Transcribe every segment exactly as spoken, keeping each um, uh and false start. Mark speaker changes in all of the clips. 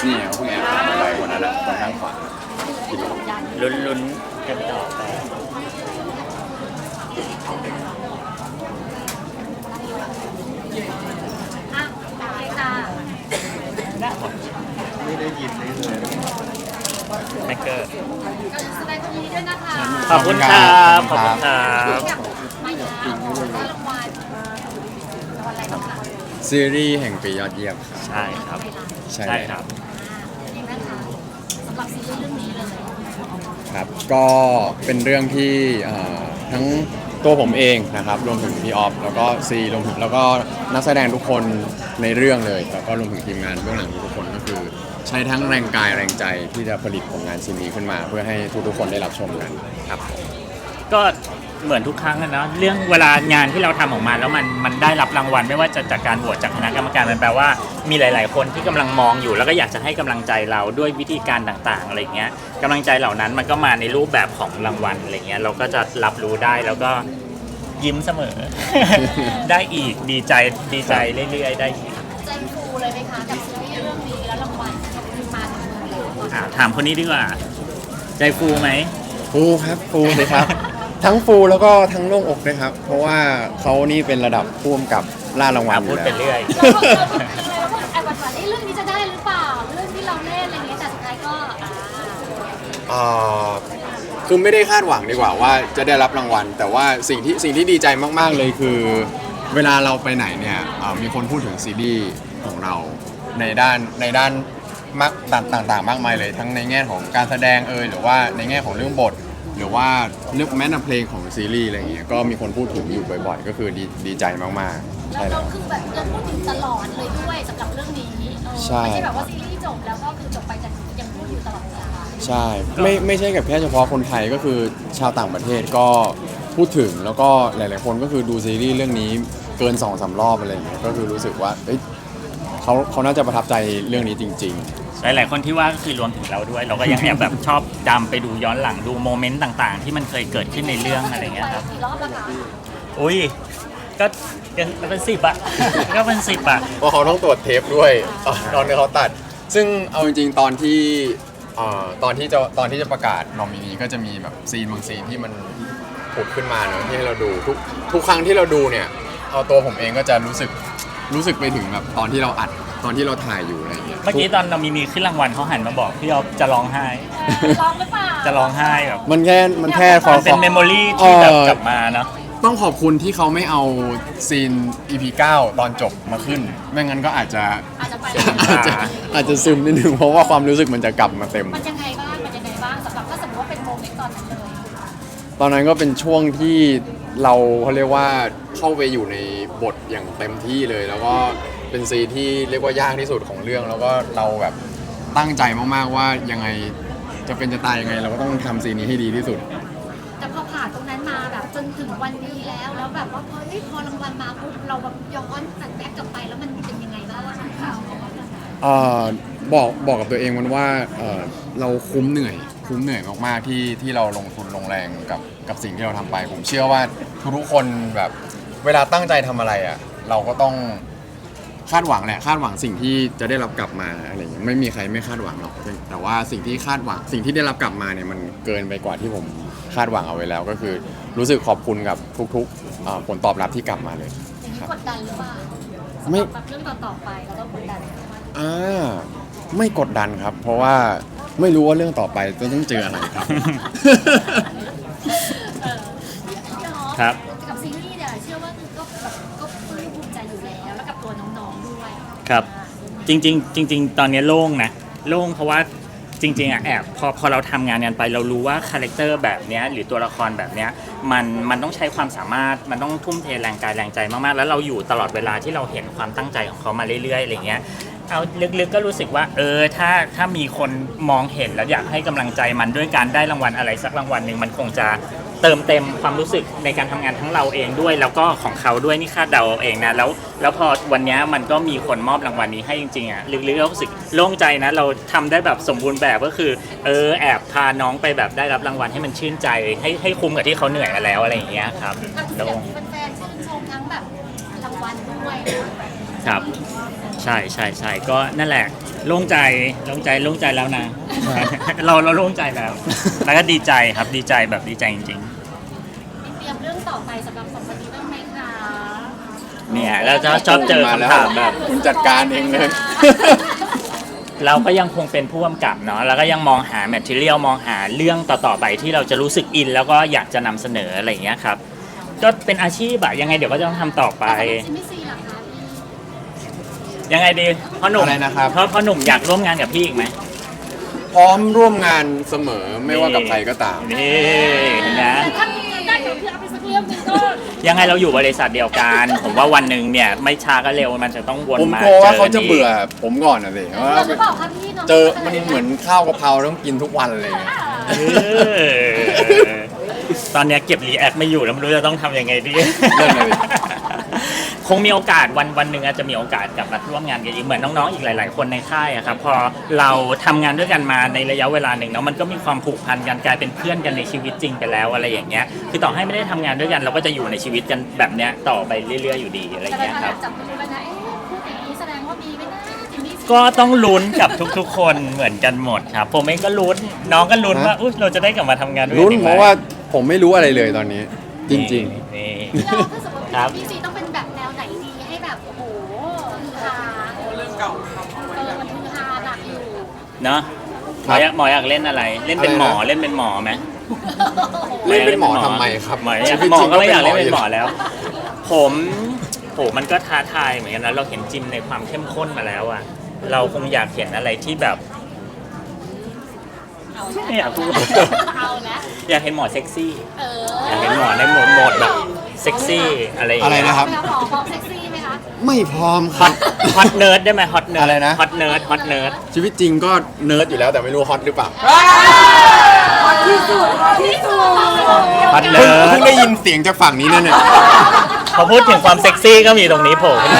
Speaker 1: นี่เขาเพิ่งแอบถามอะไรวันนั้นอะคนข้างขวา
Speaker 2: ลุ้นลุ้นกันต่อไป
Speaker 3: อ่ะโอเคค่ะ
Speaker 1: ไม่ได้ยินเลย
Speaker 2: แมกเกอร์
Speaker 3: ก็แสดงความยินดีด้วยนะคะ
Speaker 2: ขอบคุณครับขอบคุณครับ
Speaker 3: อยากมาย้ำได้รางวัลรางวัลอะไรบ้างคะ
Speaker 1: ซีรีส์แห่งปียอดเยี่ยมครับ
Speaker 2: ใช่ครับ
Speaker 1: ใช่
Speaker 2: ใช่ครับ
Speaker 3: เป็นยังไงนะคะสำหรับซีรีส์เรื่องนี้เลย
Speaker 1: ครับก็เป็นเรื่องที่เอ่อทั้งตัวผมเองนะครับรวมถึงพี่ออฟแล้วก็ซีรวมถึงแล้วก็นักแสดงทุกคนในเรื่องเลยแล้วก็รวมถึงทีมงานเบื้องหลังทุกคนก็คือใช้ทั้งแรงกายแรงใจที่จะผลิตผลงานชิ้นนี้ขึ้นมา เพื่อให้ทุกๆคนได้รับชมกันครับ
Speaker 2: ก็เหมือนทุกครั้งอะเนาะเรื่องเวลางานที่เราทำออกมาแล้วมันมันได้รับรางวัลไม่ว่าจะจากการโหวตจากคณะกรรมการมันแปลว่ามีหลาย ๆ คนที่กำลังมองอยู่แล้วก็อยากจะให้กำลังใจเราด้วยวิธีการต่าง ๆ อะไรเงี้ยกำลังใจเหล่านั้นมันก็มาในรูปแบบของรางวัลอะไรเงี้ยเราก็จะรับรู้ได้แล้วก็ยิ้มเสมอ ได้อีกดีใจดีใจเรื่อย ๆ ได้อีก
Speaker 3: ใจฟูเลยไหมคะกับซีรีส์เรื่องนี้แล้วรางวัลมาถึงมือแล้ว
Speaker 2: อ่ะถามคนนี้ดีกว่าใจฟูไหม
Speaker 1: ฟูครับฟูเลยครับ ทั้งฟูแล้วก็ทั้งโล่งอกด้วยครับ เพราะว่าเขานี่เป็นระดับผู้กำกับล่ารางวัลอ
Speaker 2: พูด
Speaker 1: ยู่
Speaker 2: ไป
Speaker 1: แล้ว
Speaker 2: เรื่อย
Speaker 3: เราก็เราคิดอะไรแล้วก็แอบหวั่นๆเรื่องนี้จะได้หรือเปล่าเรื่องที่เราเล่นอะไรอย่างเงี้ยแต่สุดท้ายก็อ่า
Speaker 1: อ่าคือไม่ได้คาดหวังดีกว่าว่าจะได้รับรางวัล แต่ว่าสิ่งที่สิ่งที่ดีใจมากๆเลยคือ เวลาเราไปไหนเนี่ยอ่ามีคนพูดถึงซีรีส์ของเราในด้านในด้านมากต่างๆ มากมายเลยทั้งในแง่ของการแสดงเอยหรือว่าในแง่ของเรื่องบท หรือว่าเรื่องแม้แต่เพลงของซีรีส์อะไรอย่างเงี้ยก็มีคนพูดถึงอยู่บ่อยๆ ก็คือดีดีใจมากๆ
Speaker 3: แล้ว
Speaker 1: ใช่
Speaker 3: เรา
Speaker 1: แล้ว
Speaker 3: คือแบบเราพูดถึงตลอดเลยด้วยสำหรับเรื่องนี้เออ
Speaker 1: ใช่
Speaker 3: ไม่ใช่แบบว่าซีรีส์จบแล้วก็คือจบไปแต่ยังพูดอยู่ตลอดเวลา
Speaker 1: ใช่ไม่ไม่ใช่กับแค่เฉพาะคนไทยก็คือชาวต่างประเทศก็พูดถึงแล้วก็หลาย ๆ คนก็คือดูซีรีส์เรื่องนี้เกินสองสามรอบอะไรอย่างเงี้ยก็คือรู้สึกว่าเอ้ยเขาเขาน่าจะประทับใจเรื่องนี้จริง
Speaker 2: หลายๆคนที่ว่าก็คือรวมถึงเราด้วย เราก็ยังแอบแบบชอบจำไปดูย้อนหลังดูโมเมนต์ต่างๆ ที่มันเคยเกิดขึ้นในเรื่องอะไรเงี้ยครับ
Speaker 3: กี่รอบแล้วคะ
Speaker 2: อุ้ยก็เป็นเป็นสิบอะ ก็เป็นสิบอะ
Speaker 1: ๆ เพราะเขาต้องตรวจเทปด้วยตอนตอนที่เขาตัด ซึ่งเอาจริง ๆ ตอนที่เอ่อตอนที่จะตอนที่จะประกาศนอมินีก็จะมีแบบซีนบางซีนที่มันผุดขึ้นมาเนอะที่ให้เราดูทุกทุกครั้งที่เราดูเนี่ยเอาตัวผมเองก็จะรู้สึกรู้สึกไปถึงแบบตอนที่เราอัดตอนที่เราถ่ายอยู่อะไรอย่างเงี้ย
Speaker 2: เมื่อกี้ตอนเรามีมีขึ้นรางวัลเขาหันมาบอกพี่ออฟจะร้องไห้
Speaker 3: ร้องหรือเปล่า
Speaker 2: จะร้องไห้แบบ
Speaker 1: มันแค่มันแค่ขอ
Speaker 2: มันเป็นเมมโมรีที่แบบกลับมาเนาะ
Speaker 1: ต้องขอบคุณที่เขาไม่เอาซีน อี พี เก้า ตอนจบมาขึ้น ไม่งั้นก็อาจจะ
Speaker 3: อาจจะไป
Speaker 1: อาจจะอาจจะซึมนิดนึงเพราะว่าความรู้สึกมันจะกลับมาเต็ม
Speaker 3: มันยังไงบ้างมันยังไงบ้างสำหรับถ้าสมมติว่าเป็นโมเมนต์ตอนนั้นเลย
Speaker 1: ตอนนั้นก็เป็นช่วงที่เราเขาเรียกว่าเข้าไปอยู่ในบทอย่างเต็มที่เลย แล้วก็เป็นซีนที่เรียกว่ายากที่สุดของเรื่อง แล้วก็เราแบบตั้งใจมากๆว่ายังไงจะเป็นจะตายยังไง เราก็ต้องทำซีนนี้ให้ดีที่สุด
Speaker 3: แต่พอผ่านตรงนั้นมาแบบจนถึงวันนี้แล้วแล้วแบบว่าพอเฮ้ยพอรางวัลมาปุ๊บเราแบบย้อนตัดแบ็กกลับไปแล้วมันเป็นยังไงบ้าง
Speaker 1: เอ่อบอกบอกกับตัวเองมันว่าเอ่อเราคุ้มเหนื่อยคุ้มเหนื่อยมากๆที่ที่เราลงทุนลงแรงกับกับสิ่งที่เราทำไป ผมเชื่อว่าทุกๆคนแบบเวลาตั้งใจทำอะไรอ่ะเราก็ต้องคาดหวังแหละคาดหวังสิ่งที่จะได้รับกลับมาอะไรอย่างเงี้ยไม่มีใครไม่คาดหวังหรอกแต่ว่าสิ่งที่คาดหวังสิ่งที่ได้รับกลับมาเนี่ยมันเกินไปกว่าที่ผมคาดหวังเอาไว้แล้ว ก็คือรู้สึกขอบคุณกับทุกๆเอ่อผลตอบรับที่กลับมาเลย
Speaker 3: อย่างนี้กดดันหรือเปล่า
Speaker 1: ไม่
Speaker 3: สำหรับเรื่องต่อๆไปเราต้องกดดันไหม
Speaker 1: อ่าไม่กดดันครับ เพราะว่าไม่รู้ว่าเรื่องต่อไปจะต้องเจออะไรครับ
Speaker 3: เออพี่น้อง
Speaker 2: ครับ
Speaker 3: กับซีรีส์เนี่ยเชื่อว่าคือก็แบบก็ปลื้มภูมิใจอยู่แล้วแล้วกับตัวน้องๆด้วย
Speaker 2: ครับ จริงๆจริงๆตอนนี้โล่งนะโล่งเพราะว่าจริงๆอ่ะแอบพอพอเราทำงานกันไปเรารู้ว่าคาแรคเตอร์แบบเนี้ยหรือตัวละครแบบเนี้ยมันมันต้องใช้ความสามารถมันต้องทุ่มเทแรงกายแรงใจมากๆแล้วเราอยู่ตลอดเวลาที่เราเห็นความตั้งใจของเขามาเรื่อยๆอะไรเงี้ยเอาลึกๆก็รู้สึกว่าเออถ้าถ้ามีคนมองเห็นแล้วอยากให้กำลังใจมันด้วยการได้รางวัลอะไรสักรางวัลหนึ่งมันคงจะเติมเต็มความรู้สึกในการทำงานทั้งเราเองด้วย แล้วก็ของเขาด้วยนี่คาดเดาเอาเองนะแล้วแล้วพอวันนี้มันก็มีคนมอบรางวัลนี้ให้จริงๆอ่ะลึกๆก็รู้สึกโล่งใจนะเราทำได้แบบสมบูรณ์แบบก็คือเออแอบพาน้องไปแบบได้รับรางวัลให้มันชื่นใจให้ให้คุ้มกับที่เขาเหนื่อยมาแล้วอะไรอย่างเงี้ยครับ
Speaker 3: ก็คือ
Speaker 2: โล่
Speaker 3: อย่าง
Speaker 2: ง
Speaker 3: ที่แฟนๆชื่นชมทั้งแบบรางวัลด้วยนะ
Speaker 2: ครับใช่ใช่ใช่ก็นั่นแหละโล่งใจโล่งใจโล่งใจแล้วนะ เราเราโล่งใจแล้ว แล้วก็ดีใจครับดีใจแบบดีใจจริง
Speaker 3: มีเตรียมเรื่องต่อไปสำหรับสองคนนี้บ้างไหมคะ
Speaker 2: ๆเนี่ยแล้วจะชอบเจอ
Speaker 1: มาแล้ว
Speaker 2: คำถามแบบ
Speaker 1: คุณจัดการเองเลย
Speaker 2: เราก็ยังคงเป็นผู้กำกับเนาะแล้วก็ยังมองหาแมทเทียลมองหาเรื่องต่อๆไปที่เราจะรู้สึกอิน แล้วก็อยากจะนำเสนออะไรอย่างเงี้ยครับก็เป็นอาชีพอะยังไงเดี๋ยวก็จะต้องทำต่อไป
Speaker 3: ซิมิซีเหรอคะพี่
Speaker 2: ยังไงดีพ่อหนุ่ม
Speaker 1: อะไรนะครับ
Speaker 2: พ่อพ่อหนุ่มอยากร่วมงานกับพี่อีกไหม
Speaker 1: พร้อมร่วมงานเสมอไม่ว่ากับใครก็ตาม
Speaker 2: นี่เห็นไหม
Speaker 3: แต่ถ้ามีได้เดี๋ยวพี่เอาไปสักเรื่องหนึงก็
Speaker 2: ยังไงเราอยู่บริษัทเดียวกัน ผมว่าวันหนึ่งเนี่ยไม่ช้าก็เร็วมันจะต้องวน
Speaker 1: ผม
Speaker 2: มาก
Speaker 1: ลัวว่าเขา
Speaker 2: กั
Speaker 1: จะ
Speaker 2: ก
Speaker 1: เบื่อผมก่อนนะสิว่า
Speaker 3: เราหรือเปล่าคะพี่น้อง
Speaker 1: เจอมันเหมือนข้าวกะเพราต้องกินทุกวันเลย
Speaker 2: เออตอนเนี้ยเก็บรีแอคไม่อยู่แล้วไม่รู้จะต้องทำยังไงดี
Speaker 1: นั่นเลย
Speaker 2: คงมีโอกาสวันวันหนึ่งอาจจะมีโอกาสกลับมาร่วมงานกันอีกเหมือนน้องๆอีกหลาย ๆ คนในค่ายอะครับพอเราทำงานด้วยกันมาในระยะเวลาหนึ่งเนาะมันก็มีความผูกพันกันกลายเป็นเพื่อนกันในชีวิตจริงไปแล้วอะไรอย่างเงี้ยคือต่อให้ไม่ได้ทำงานด้วยกัน เราก็จะอยู่ในชีวิตกันแบบเนี้ยต่อไปเรื่อยๆอยู่ดีอะไรอ
Speaker 3: แต่
Speaker 2: ย่าง
Speaker 3: เรา
Speaker 2: เงี้ยครับ
Speaker 3: จับมือไว้นะเอ๊ะพูดอย่างนี้แสดงว่ามีไหมนะจิมมี่
Speaker 2: ก็ต้องลุ้นกับทุกๆ คนเหมือนกันหมดครับผมเองก็ลุ้นน้องก็ลุ้นว่าอุ๊ยเราจะได้กลับมาทำงานด้วยกั
Speaker 1: ลุ้น
Speaker 2: อีกไห
Speaker 1: เพ
Speaker 2: ม
Speaker 1: ราะว่าผมไม่รู้อะไรเลยตอนนี้ จริง
Speaker 2: นี่
Speaker 3: เราถ้าสมมติ
Speaker 2: ครับ
Speaker 3: พี่ซีต้องเป็นแบบแนวไหนดีให้แบบโอ้โหฮือฮาเรื่องเก่าเออมันฮือฮาหนักอยู่
Speaker 2: เนาะหมออยากหมออยากเล่นอะไร เล่นเป็นหมอเล่นเป็นหมอไหม
Speaker 1: ๆ เล่นเป็นหมอทำไมครับ
Speaker 2: หมอ
Speaker 1: ชีวิต
Speaker 2: หมอ
Speaker 1: จริง
Speaker 2: ก็ไม่อยากเล่น
Speaker 1: ป็
Speaker 2: เป็นหมอ
Speaker 1: อยู่
Speaker 2: แล้ว ผมโหมันก็ท้าทายเหมือนกันนะเราเห็นจิมในความเข้มข้นมาแล้วอะเราคงอยากเห็นอะไรที่แบบไม่อยากพูด
Speaker 3: เอาแล้ว
Speaker 2: อยากเห็นหมอเซ็กซี่
Speaker 3: เออ
Speaker 2: อยากเห็นหมอในโหมดโหมดแบบเซ็กซี่อะไรอย่าง
Speaker 1: อะไร
Speaker 2: เงี้ย
Speaker 1: นะครับ
Speaker 3: หมอพร้อมเซ็กซี่ไหมคะ
Speaker 1: ไม่พร้อมค
Speaker 2: ฮ
Speaker 1: รั
Speaker 2: อบ ตฮอตเนิร์ดได้ไหมฮอตเนิร์ด
Speaker 1: อะไรนะ
Speaker 2: ฮอตเนิร์ดฮอตเนิร์ด
Speaker 1: ชีวิตจริงก็เนิร์ดอยู่แล้วแต่ไม่รู้ฮอตหรือเปล่า
Speaker 3: ที่สุดที่สุด
Speaker 2: ฮอต
Speaker 1: เพิ่
Speaker 2: เนิ
Speaker 1: ง
Speaker 2: ร์ด
Speaker 1: เพิ่งได้ยินเสียงจากฝั่งนี้นั่นเนี่ย
Speaker 2: พอพูดถึงความเซ็กซี่ก็มีตรงนี้โผล่ขึ้นมา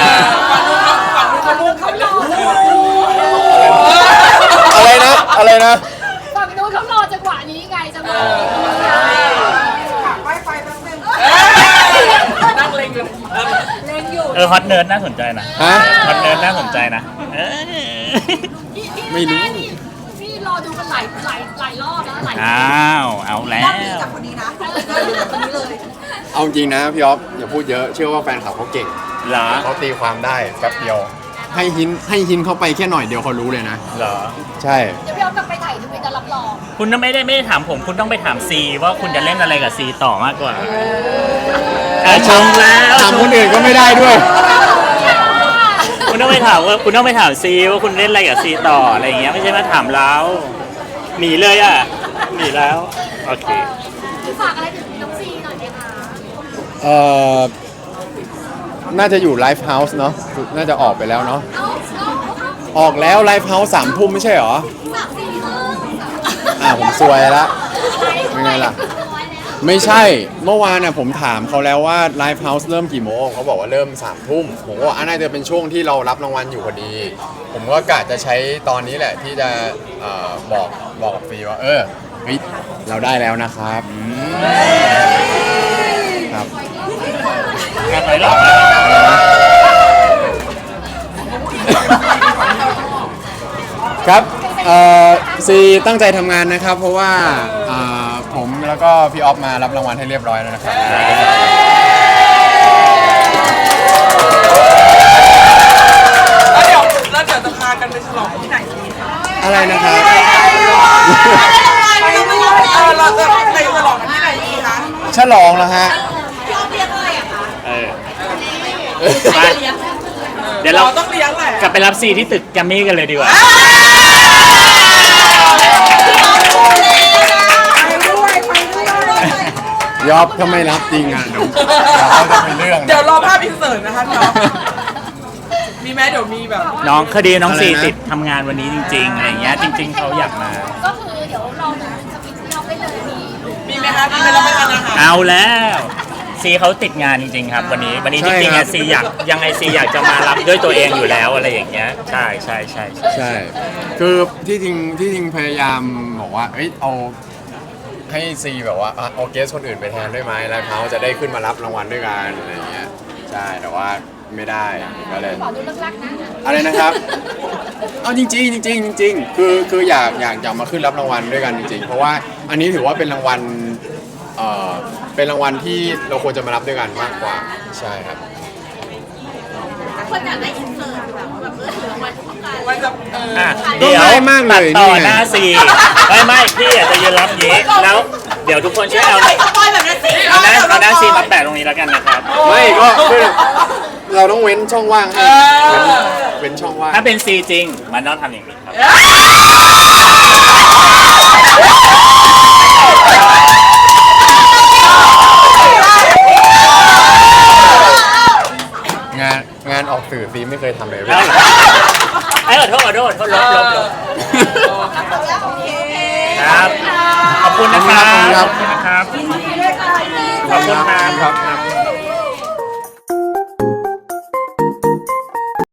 Speaker 1: อะไรนะ อะไรนะ
Speaker 3: ฝั่งนู้นเขารอจังหวะนี้ไงจังหวะนี้
Speaker 4: นั่งเล็งอยู่
Speaker 3: เล่นอยู่
Speaker 2: เออฮอตเนิร์ดน่าสนใจนะ
Speaker 1: ฮะ
Speaker 2: ฮอตเนิร์ดน่าสนใจนะเออ
Speaker 1: ไม่รู้
Speaker 3: พี่รอดูกันหลายหลายหลายรอบแล้วหลาย
Speaker 2: อ้าวเอาแล้ว
Speaker 4: จากคนนี้นะจากคนนี้เลย
Speaker 1: เอาจริงนะพี่อ๊อฟอย่าพูดเยอะเชื่อว่าแฟนคลับเขาเก่ง
Speaker 2: เหรอ
Speaker 1: เขาตีความได้แป๊บเดียว ให้หินให้หินเข้าไปแค่หน่อยเดียวเขารู้เลยนะ
Speaker 2: เหรอ
Speaker 1: ใช่
Speaker 3: เดี๋ยวพี่เอากลับไปถ่ายทวิตจะรับรอง
Speaker 2: คุณไม่ได้ไม่ได้ถามผม คุณต้องไปถามซีว่าคุณจะเล่นอะไรกับซีต่อมากกว่าเออชมแล้ว
Speaker 1: ถามคนอื่นก็ไม่ได้ด้วย
Speaker 2: คุณต้องไปถามว่าคุณต้องไปถามซีว่าคุณเล่นอะไรกับซีต่ออะไรอย่างเงี้ยไม่ใช่มาถามเราหนีเลยอ่ะหนีแล้วโอเค
Speaker 3: ฝากอะไรถึงน้องซีหน่อยไหมคะ
Speaker 1: เอ่อ น่าจะอยู่ไลฟ์เฮาส์เนาะ น่าจะออกไปแล้วเนาะ
Speaker 3: เอาเอาเอา
Speaker 1: ออกแล้วไลฟ์เฮาส์สามทุ่มไม่ใช่เหรอ
Speaker 3: สามสี่ครึ่ง
Speaker 1: อ่าผมซวยละ เป็นไงล่ะ ไม่ใช่ เมื่อวานน่ะผมถามเขาแล้วว่าไลฟ์เฮาส์เริ่มกี่โมง เขาบอกว่าเริ่มสามทุ่ม ผมก็บอกอ่ะน่าจะเป็นช่วงที่เรารับรางวัลอยู่พอดี ผมก็กะจะใช้ตอนนี้แหละที่จะเอ่อบอกบอกกับฟรีว่า เออเฮ้ยเราได้แล้วนะครับครับ
Speaker 2: การไปรอบ
Speaker 1: ครับเอ่อซีตั้งใจทำงานนะครับ เพราะว่าอ่าผมแล้วก็พี่ออฟมารับรางวัลให้เรียบร้อยแล้วนะครับ
Speaker 4: แล้วเดี๋ยวแล้วเดี๋ยวจะพากันไปฉลองที่ไหนดีคะ
Speaker 1: อะไรนะครับ
Speaker 4: เออเราจะไปฉลองกันที่ไหนดีคะ
Speaker 1: ฉลองแล้วฮะ
Speaker 2: เออไปเดี๋ยวเรา
Speaker 4: เราต้องเลี้ยงแหละ
Speaker 2: กลับไปรับซีที่ตึกแกรมมี่กันเลยดีกว่า
Speaker 4: ไปด้วยไปด้วย
Speaker 1: ยอบถ้าไม่รับจริงอ่ะเดี๋ยวเดี๋ยวเขาจะเป็นเรื่อง
Speaker 4: เดี๋ยวรอภาพอินเสิร์ตนะคะพี่อ๊อฟมีไหมเดี๋ยวมีแบบ
Speaker 2: น้องคดีน้องซีติดทำงานวันนี้จริงๆอะไรอย่างเงี้ยจริง ๆเขาอยากมา
Speaker 3: ก็คือเดี๋ยวรอดูสวิตช์ที่เราได้เลยมี
Speaker 4: มีไหมคะมีไหมเราไปทานอาหาร
Speaker 2: เอาแล้วซีเขาติดงานจริงๆครับ วันนี้วันนี้จริงๆอะซีอยากยังไงซีอยากจะมารับด้วยตัวเองอยู่แล้วอะไรอย่างเงี้ยใช่ใช่ใช่ใช่
Speaker 1: ใช่ คือที่จริงที่จริงพยายามบอกว่า เอ้ยเอาให้ซีแบบว่าอ่ะเอาเกสคนอื่นไปแทนด้วยไหมไลฟ์เฮาส์จะได้ขึ้นมารับรางวัลด้วยกันอะไรอย่างเงี้ย ใช่ แต่ว่าไม่ได้ก็เลย
Speaker 3: ขอดูเลิกลักนะ
Speaker 1: อะไรนะครับ เอาจริงๆจริงๆจริงๆคือคืออยากอยากอยากมาขึ้นรับรางวัลด้วยกันจริงๆ เพราะว่าอันนี้ถือว่าเป็นรางวัลเอ่อเป็นรางวัลที่เราควรจะมารับด้วยกันมากกว่าใช่ครับ
Speaker 3: คนอยากได้อินเสิร์ตแบบแบบเออถือรางวัลทุกการ
Speaker 4: มันจะเออ
Speaker 2: อ่ะ
Speaker 1: ก็
Speaker 2: เดี๋ยว
Speaker 1: ง่ายมากเลย
Speaker 2: ตัดต่อ
Speaker 1: นี่ไง
Speaker 2: หน้าซีไม่ไม่พี่อาจจะยืนรับอย่างนี้แล้วเดี๋ยวทุกคนช่วยเอา
Speaker 3: ไปสปอยแบบนั้นสิ
Speaker 2: เอาหน้าเอาหน้าซีมาแปะตรงนี้แล้วกันนะครับ
Speaker 1: ไม่ก็คือเราต้องเว้นช่องว่างให้เว้นเว้นช่องว่าง
Speaker 2: ถ้าเป็นซีจริงมันต้องทำอย่างนี้ครับ
Speaker 1: งานงานออกสื่อซีไม่เคยทำเลยเว้ย
Speaker 2: ไอ้ขอโทษขอโทษขอโทษลบลบลบ
Speaker 3: โอเค
Speaker 2: ครับ ขอบคุณนะครับ
Speaker 1: ขอบคุณครับ
Speaker 2: ขอบคุณนะครับ ขอบคุณครับ
Speaker 1: ครับ